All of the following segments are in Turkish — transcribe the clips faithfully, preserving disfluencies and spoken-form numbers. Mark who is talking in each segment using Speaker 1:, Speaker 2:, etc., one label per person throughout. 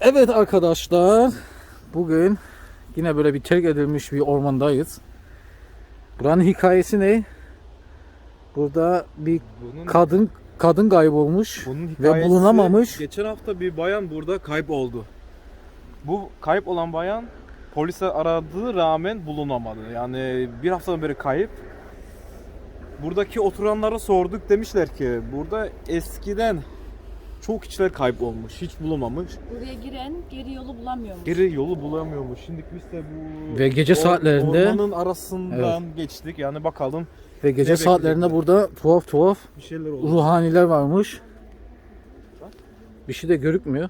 Speaker 1: Evet arkadaşlar, bugün yine böyle bir terk edilmiş bir ormandayız. Buranın hikayesi ne? Burada bir
Speaker 2: Bunun,
Speaker 1: kadın kadın kaybolmuş
Speaker 2: bunun
Speaker 1: ve
Speaker 2: hikayesi,
Speaker 1: bulunamamış.
Speaker 2: geçen hafta bir bayan burada kayıp oldu. Bu kayıp olan bayan polise aradığı rağmen bulunamadı. Yani bir haftadan beri kayıp. Buradaki oturanlara sorduk, demişler ki burada eskiden çok kişiler kayıp olmuş, hiç bulunmamış.
Speaker 3: Buraya giren geri yolu bulamıyormuş.
Speaker 2: Geri yolu bulamıyormuş. Şimdi biz de bu
Speaker 1: Ve gece saatlerinde-
Speaker 2: ormanın arasından geçtik. Yani bakalım
Speaker 1: Ve gece
Speaker 2: Ne
Speaker 1: saatlerinde burada tuhaf tuhaf
Speaker 2: bir şeyler oldu.
Speaker 1: ruhaniler varmış. Bir şey de görükmüyor.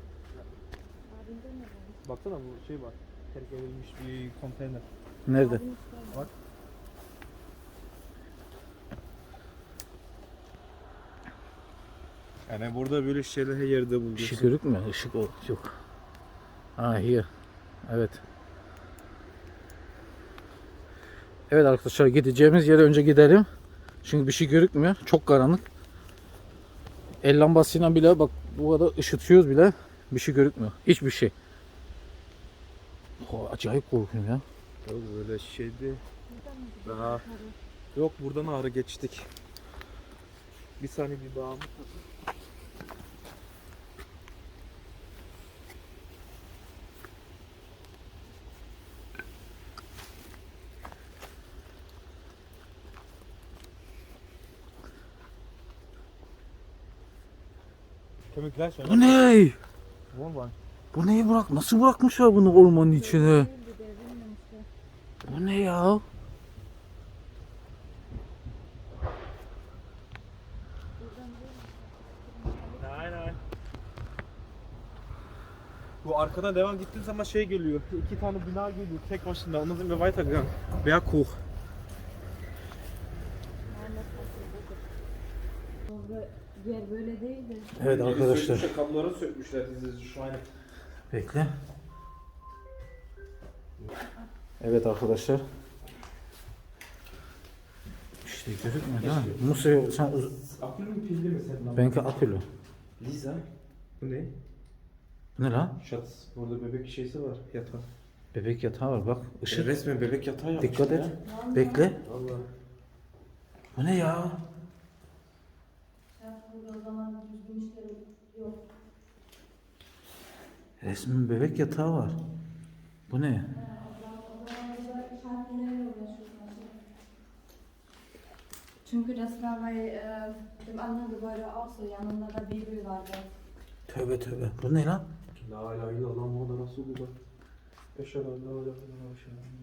Speaker 2: Baksana bu şey var. Terk edilmiş bir konteyner.
Speaker 1: Nerede?
Speaker 2: Bak. Yani burada böyle şeyler her yerde
Speaker 1: Bir şey
Speaker 2: buluyorsun.
Speaker 1: görükmüyor. Işık o- yok. Ah, here. Evet. Evet arkadaşlar, gideceğimiz yere önce gidelim. Çünkü bir şey görükmüyor. Çok karanlık. El lambasıyla bile bak bu kadar ışıtıyoruz bile bir şey görükmüyor. Hiçbir şey. Oh, acayip korkuyorum ya.
Speaker 2: Yok böyle şeydi. Daha yok, buradan ağrı geçtik. Bir saniye bir bağımı takın. Kemikler şöyle.
Speaker 1: Bu ne?
Speaker 2: Var.
Speaker 1: Bu neyi bırak? Nasıl bırakmışlar bunu ormanın içine? Bu ne ya?
Speaker 2: Aynen. Bu arkadan devam gittiğin zaman şey geliyor. İki tane bina geliyor tek başına. Ondan sonra weitergegangen. Berg hoch.
Speaker 3: Yer böyle değildi.
Speaker 1: Evet arkadaşlar.
Speaker 2: Kapıları sökmüşler dizi şu an.
Speaker 1: Bekle. Evet arkadaşlar. İşte gözükmüyor değil mi? Musa sen uz-
Speaker 2: Akülü mü pilli mi senin?
Speaker 1: benimki akülü.
Speaker 2: Lisa. Bu ne?
Speaker 1: Bu ne lan?
Speaker 2: Şat. Burada bebek şeysi var. Yatağı.
Speaker 1: Bebek yatağı var bak. Işık.
Speaker 2: Resmen bebek yatağı yapmışlar.
Speaker 1: Dikkat et. Bekle.
Speaker 2: Allah.
Speaker 1: Bu ne ya?
Speaker 3: Burada o zaman düzgün işleri yok.
Speaker 1: Resmin bebek yatağı var. Bu ne?
Speaker 3: Çünkü das war bei äh, dem anderen Gebäude auch so. Yanında da Bibel vardı.
Speaker 1: Tövbe tövbe. Bu ne lan?
Speaker 2: La ilahe illallah Muhammed Resulullah. Eşhedü en la ilahe illallah.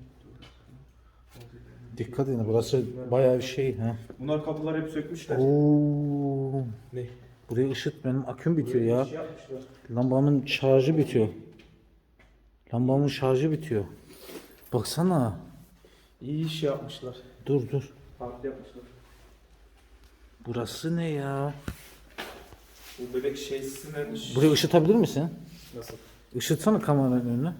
Speaker 1: Dikkat edin, burası bayağı bir şey ha.
Speaker 2: Bunlar kapıları hep sökmüşler.
Speaker 1: Oo.
Speaker 2: Ne?
Speaker 1: Buraya ışıt, benim aküm bitiyor ya.
Speaker 2: Şey yapmışlar.
Speaker 1: Lambamın şarjı bitiyor. Lambamın şarjı bitiyor. Baksana.
Speaker 2: İyi iş yapmışlar.
Speaker 1: Dur dur.
Speaker 2: Farklı yapmışlar.
Speaker 1: Burası ne ya?
Speaker 2: Bu bebek şeysinden...
Speaker 1: Burayı ışıtabilir misin?
Speaker 2: Nasıl?
Speaker 1: Işıtsana kameranın önüne.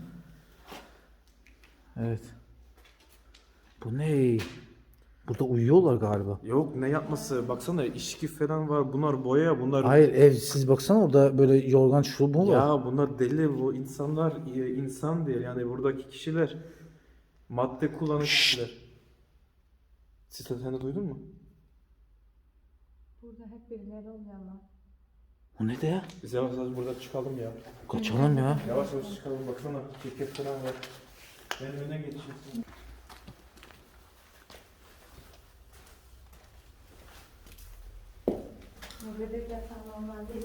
Speaker 1: Evet. Bu ne? Burada uyuyorlar galiba.
Speaker 2: Yok, ne yapması? Baksana içki falan var. Bunlar boya, bunlar...
Speaker 1: Hayır, ev siz baksana, orada böyle yorgan şu bu var.
Speaker 2: Ya bunlar deli, bu insanlar e, insan değil. Yani buradaki kişiler madde kullanan kişiler. Siz de sen de duydun mu?
Speaker 3: Burada hep birileri oluyor ama.
Speaker 1: Bu ne de ya?
Speaker 2: Biz yavaş yavaş buradan çıkalım ya.
Speaker 1: Kaçalım ya.
Speaker 2: Yavaş yavaş çıkalım, baksana ceket falan var. Ben öne geçeyim.
Speaker 3: Bu bebek yatağı normal değil.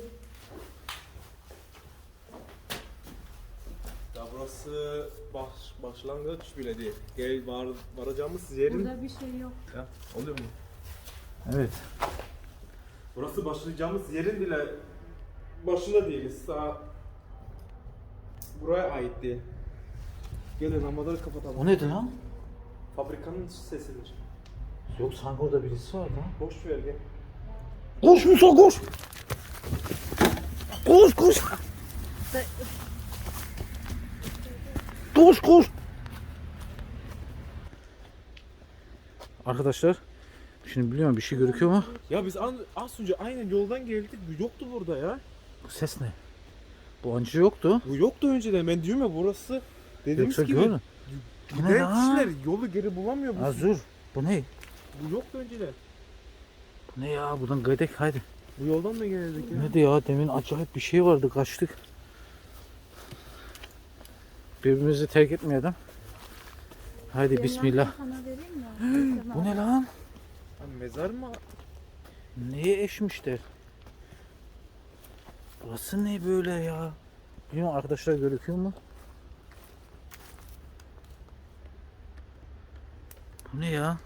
Speaker 2: Ya burası baş, başlangıç bile değil. Gel var, varacağımız yerin...
Speaker 3: Burada bir şey yok.
Speaker 2: Ya, oluyor mu?
Speaker 1: Evet.
Speaker 2: Burası başlayacağımız yerin bile başında değiliz. Daha buraya ait değil. Gelin lamaları kapatalım.
Speaker 1: O neydi lan?
Speaker 2: Fabrikanın sesidir.
Speaker 1: Yok, sanki orada birisi var lan.
Speaker 2: Boş ver gel.
Speaker 1: Koş Musa, koş. Koş koş. Koş koş. Arkadaşlar, şimdi biliyorum bir şey görüküyor ama
Speaker 2: Ya biz an, az önce aynen yoldan geldik. Yoktu burada ya.
Speaker 1: bu ses ne? Bu önce yoktu.
Speaker 2: Bu yoktu önceden. Ben diyorum ya burası dediğimiz
Speaker 1: Yoksa
Speaker 2: gibi.
Speaker 1: gördün. Bu ne
Speaker 2: Giden
Speaker 1: lan?
Speaker 2: kişiler yolu geri bulamıyor. Bu,
Speaker 1: Azur. Bu ne?
Speaker 2: bu yoktu önceden.
Speaker 1: Bu ne ya? Buradan gidelim haydi.
Speaker 2: Bu yoldan mı geldik ya?
Speaker 1: Ne de ya? Demin acayip bir şey vardı. Kaçtık. Birbirimizi terk etmeyelim. Haydi bismillah.
Speaker 3: Sana vereyim mi?
Speaker 1: Bu ne lan?
Speaker 2: Ha, mezar mı?
Speaker 1: Neye eşmişler? Burası ne böyle ya? Bilmiyorum arkadaşlar, gözüküyor mu? Bu ne ya?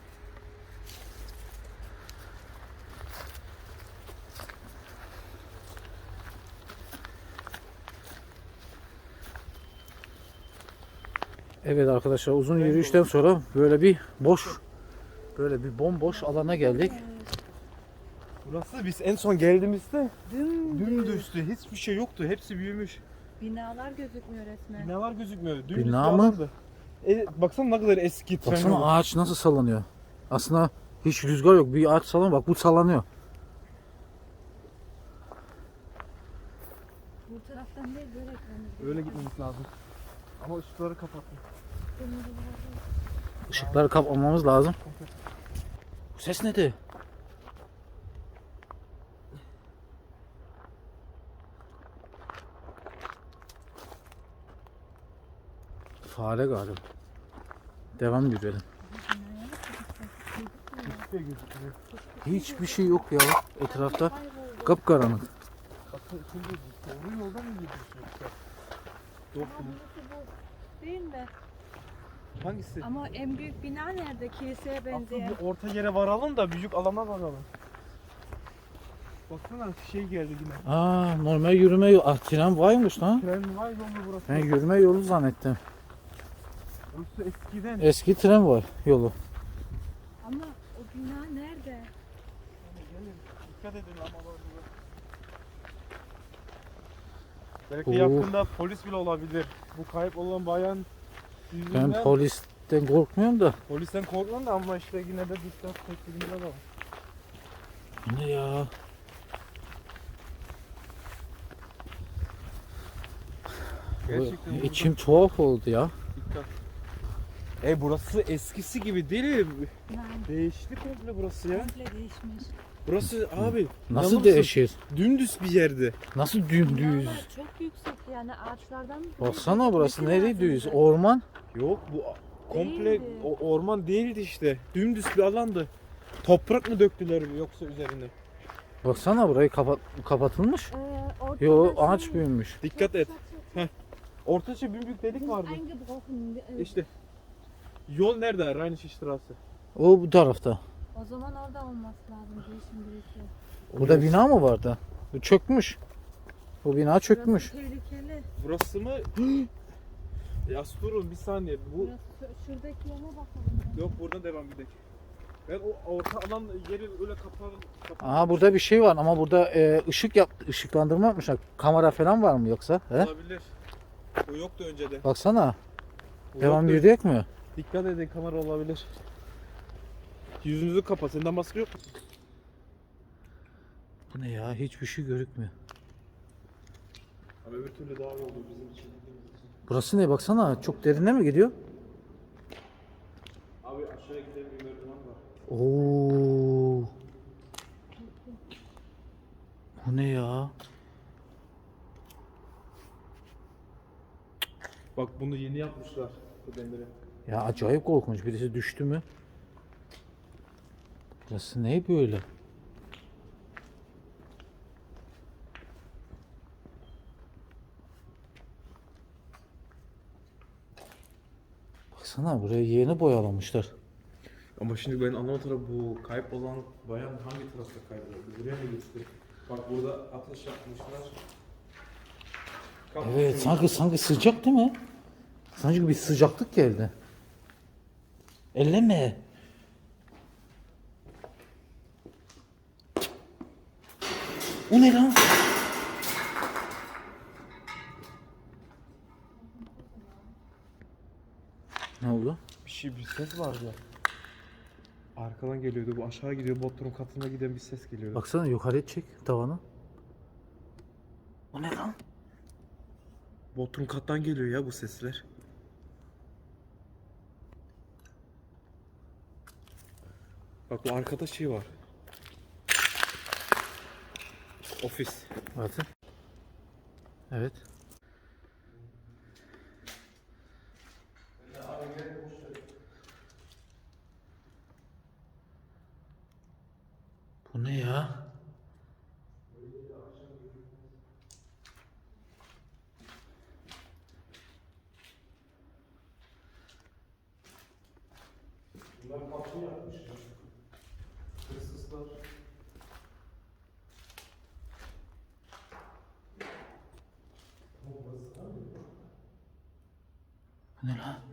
Speaker 1: Evet arkadaşlar, uzun yürüyüşten sonra böyle bir boş, böyle bir bomboş alana geldik.
Speaker 2: Burası biz en son geldiğimizde
Speaker 3: Dümdüz.
Speaker 2: dümdüzdü. Hiçbir şey yoktu. Hepsi büyümüş.
Speaker 3: Binalar gözükmüyor resmen.
Speaker 2: Binalar gözükmüyor. Dümdüz
Speaker 1: Bina
Speaker 2: bir
Speaker 1: mı?
Speaker 2: alandı. E, baksana ne kadar eski tren yolu.
Speaker 1: Baksana ağaç nasıl sallanıyor. Aslında hiç rüzgar yok. Bir ağaç sallanıyor. Bak bu sallanıyor.
Speaker 3: Bu taraftan değil böyle gitmemiz
Speaker 2: Öyle gitmemiz lazım. Ama ışıkları kapattım.
Speaker 1: Işıkları kapatmamız lazım. Bu ses nedir? Fare galiba. Devam yürüyelim.
Speaker 2: Hiçbir şey gözükmüyor.
Speaker 1: Hiçbir şey yok ya etrafta. Kapkaranlık.
Speaker 2: Bakın şimdi doğru yoldan mı gidiyorsun yoksa? Yok mu?
Speaker 3: Değil mi?
Speaker 2: Hangisi?
Speaker 3: Ama en büyük bina nerede? Kiliseye
Speaker 2: Aslında
Speaker 3: benzeyen.
Speaker 2: bir orta yere varalım da büyük alana varalım. Baksana şey geldi yine.
Speaker 1: Aa, normal yürüme yolu. Ah, tren varmış lan.
Speaker 2: Tren var yolu burası.
Speaker 1: Ben yürüme yolu zannettim.
Speaker 2: Burası eskiden.
Speaker 1: Eski tren var yolu.
Speaker 3: Ama o bina nerede?
Speaker 2: Gelin dikkat edin ama var burada. Belki
Speaker 1: Oo.
Speaker 2: yakında polis bile olabilir. Bu kayıp olan bayan yüzünden
Speaker 1: Ben polisten korkmuyorum da.
Speaker 2: polisten korkmam da ama işte yine de dikkat tedbirinde var.
Speaker 1: Bu ne ya?
Speaker 2: Gerçekten burada
Speaker 1: İçim tuhaf oldu ya.
Speaker 2: dikkat. E burası eskisi gibi değil mi?
Speaker 3: Yani
Speaker 2: Değişti komple burası ya.
Speaker 3: komple değişmiş.
Speaker 2: Burası abi
Speaker 1: Nasıl
Speaker 2: inanır mısın?
Speaker 1: değişir?
Speaker 2: Dümdüz bir yerde.
Speaker 1: Nasıl dümdüz?
Speaker 3: Binalar çok yüksek yani ağaçlardan mı?
Speaker 1: Baksana burası
Speaker 3: Gitmesi
Speaker 1: nereye
Speaker 3: lazımdı.
Speaker 1: düz? Orman.
Speaker 2: Yok bu komple
Speaker 3: Değildi.
Speaker 2: o orman değildi işte. Dümdüz bir alandı. Toprak mı döktüler yoksa üzerine?
Speaker 1: Baksana burayı kapat kapatılmış.
Speaker 3: Ee, ortada
Speaker 1: Yo,
Speaker 3: şey-
Speaker 1: ağaç büyümüş.
Speaker 2: Dikkat et.
Speaker 3: Çok, çok, çok.
Speaker 2: Ortaça bir büyük delik vardı.
Speaker 3: Eingebrochen. Ee,
Speaker 2: İşte yol nerede? Rheinische Straße.
Speaker 1: O bu tarafta.
Speaker 3: O zaman orada olması lazım değişim birisi.
Speaker 1: Burada bina mı vardı? Bu çökmüş. Bu bina çökmüş.
Speaker 3: Burası tehlikeli.
Speaker 2: Burası mı? Ya durun bir saniye. Bu
Speaker 3: Burası, şuradaki yana bakalım.
Speaker 2: yok buradan devam gidelim. Ben o orta alan yeri öyle kapalı. kapalı
Speaker 1: Aa, burada bir şey var ama burada e, ışık yap ışıklandırma yapmışlar. Kamera falan var mı yoksa? He?
Speaker 2: olabilir. O yoktu önceden.
Speaker 1: Baksana.
Speaker 2: O
Speaker 1: Devam
Speaker 2: yoktu.
Speaker 1: yürüyecek mi?
Speaker 2: Dikkat edin kamera olabilir. Yüzünüzü kapat. Senden maske yok mu?
Speaker 1: Bu ne ya? Hiçbir şey görükmüyor.
Speaker 2: Ama öbür türlü daha iyi oldu bizim için.
Speaker 1: Burası ne? Baksana. Çok derine mi gidiyor?
Speaker 2: Abi aşağıya giden bir merdiven var.
Speaker 1: Oo. Bu ne ya?
Speaker 2: Bak bunu yeni yapmışlar bu demiri.
Speaker 1: Ya acayip korkunç. Birisi düştü mü? Burası ne böyle? Baksana burayı yeni boyalamışlar.
Speaker 2: Ama şimdi ben anlamadım bu kayıp olan bayan hangi tarafta kayboldu? Buraya mı gitti? Bak burada ateş yapmışlar. Kapı
Speaker 1: Evet, sanki sanki sıcak değil mi? Sanki bir sıcaklık geldi. Elleme. O ne lan? Ne oldu?
Speaker 2: Bir şey bir ses vardı. Arkadan geliyordu. Bu aşağı gidiyor. Bodrum katına giden bir ses geliyordu.
Speaker 1: Baksana yukarıya çek tavanı. O ne lan?
Speaker 2: Bodrum kattan geliyor ya bu sesler. Bak bu arkada şey var. Ofis.
Speaker 1: Bakın. Evet. Bu ne ya?
Speaker 2: Bunlar kapı yapmışlar. Hırsızlar.
Speaker 1: Bu ne lan?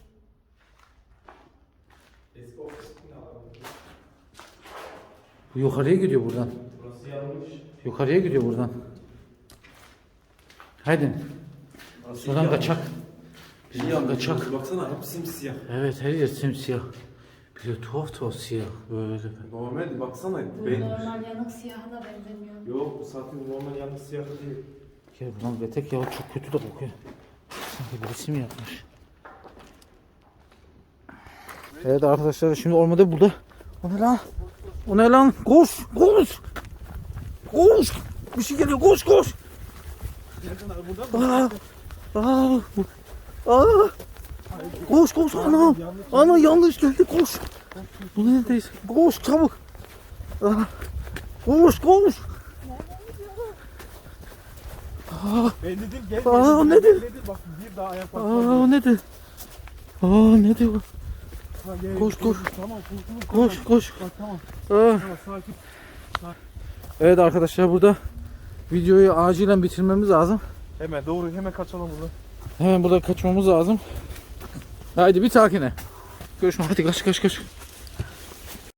Speaker 2: Eski ofisin alanı.
Speaker 1: Bu yukarıya gidiyor buradan.
Speaker 2: Burası yanlış.
Speaker 1: Yukarıya gidiyor buradan. Haydi. Buradan kaçak. Biz buradan kaçak.
Speaker 2: Baksana hep simsiyah.
Speaker 1: Evet, her yer simsiyah. Bir de tuhaf tuhaf siyah böyle.
Speaker 2: Normal baksana.
Speaker 3: Bu
Speaker 2: Ben...
Speaker 3: normal yanık siyaha da benzemiyor.
Speaker 2: Yok bu zaten normal yanlış siyah değil.
Speaker 1: Ya buradan betek ya, çok kötü de kokuyor. Sanki birisi mi yapmış? Evet arkadaşlar, şimdi ormanda burada. O ne lan? O ne lan? Koş! Koş! Koş! Bir şey geliyor, koş koş! Aa! Aa! Aa! Koş koş anam! Ana yanlış geldi, koş! Bu neredeyiz? Koş çabuk! Aa! Koş koş! Aa!
Speaker 2: Ben dedim gel.
Speaker 1: Aa,
Speaker 2: dedim,
Speaker 1: ne
Speaker 2: gel
Speaker 1: dedi?
Speaker 2: dedim. Bak bir daha ayak
Speaker 1: Aa
Speaker 2: basma.
Speaker 1: ne de? Aa ne diyor?
Speaker 2: Ha, gel,
Speaker 1: Koş, koş.
Speaker 2: Tamam kurtulduk.
Speaker 1: Koş koş.
Speaker 2: Bak tamam.
Speaker 1: Aa.
Speaker 2: Tamam sakin.
Speaker 1: Evet arkadaşlar, burada videoyu acilen bitirmemiz lazım.
Speaker 2: Hemen doğru hemen kaçalım buradan.
Speaker 1: Hemen burada kaçmamız lazım. Haydi bir takine. Görüşmek. Hadi kaç kaç kaç.